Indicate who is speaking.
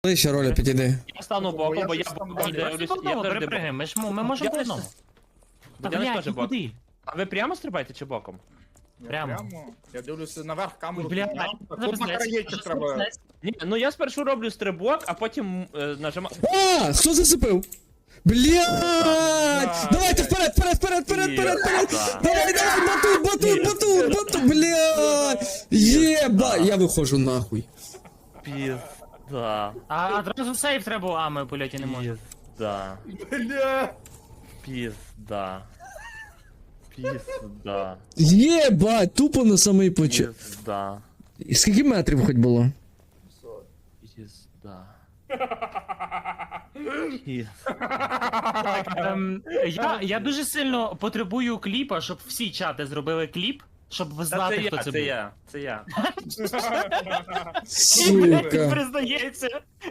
Speaker 1: Ближче, Роля, підійди.
Speaker 2: Я стану боком, бо я
Speaker 3: щось там
Speaker 2: боком
Speaker 3: далі.
Speaker 2: дивлюсь.
Speaker 4: Просто
Speaker 2: Я
Speaker 4: одного
Speaker 2: завжди
Speaker 4: перепригаємо,
Speaker 2: боком.
Speaker 4: ми можемо по
Speaker 2: Я
Speaker 4: одному. Та
Speaker 2: Я
Speaker 4: блядь,
Speaker 2: теж
Speaker 4: ну
Speaker 2: боком.
Speaker 4: куди?
Speaker 2: А ви прямо стрибаєте чи боком?
Speaker 3: Я
Speaker 4: Прямо.
Speaker 3: Я дивлюся наверх камеру.
Speaker 4: Бля,
Speaker 3: підняв.
Speaker 4: це
Speaker 3: Тут на
Speaker 4: пиздець.
Speaker 3: краєчок
Speaker 4: Це
Speaker 3: треба.
Speaker 4: пиздець.
Speaker 2: Ні, ну я спершу роблю стрибок, а потім нажимаю.
Speaker 1: А, хто зацепив? Блядь! Давайте вперед, вперед! Давай, батут, блядь! Єба! Я виходжу нахуй.
Speaker 2: Пізда.
Speaker 4: А одразу сейф треба, а ми в польоті не можемо.
Speaker 2: Пізда.
Speaker 3: Бля.
Speaker 2: Пізда. Пізда.
Speaker 1: Єбать, тупо на самий початок.
Speaker 2: Пізда.
Speaker 1: Скільки метрів хоч було?
Speaker 2: Пізда.
Speaker 4: Я дуже сильно потребую кліпа, щоб всі чати зробили кліп, щоб
Speaker 2: Та
Speaker 4: знати,
Speaker 2: це
Speaker 4: хто
Speaker 2: я,
Speaker 4: це
Speaker 2: це
Speaker 4: був.
Speaker 2: я, це я.
Speaker 4: Він
Speaker 1: Сука.
Speaker 4: признається.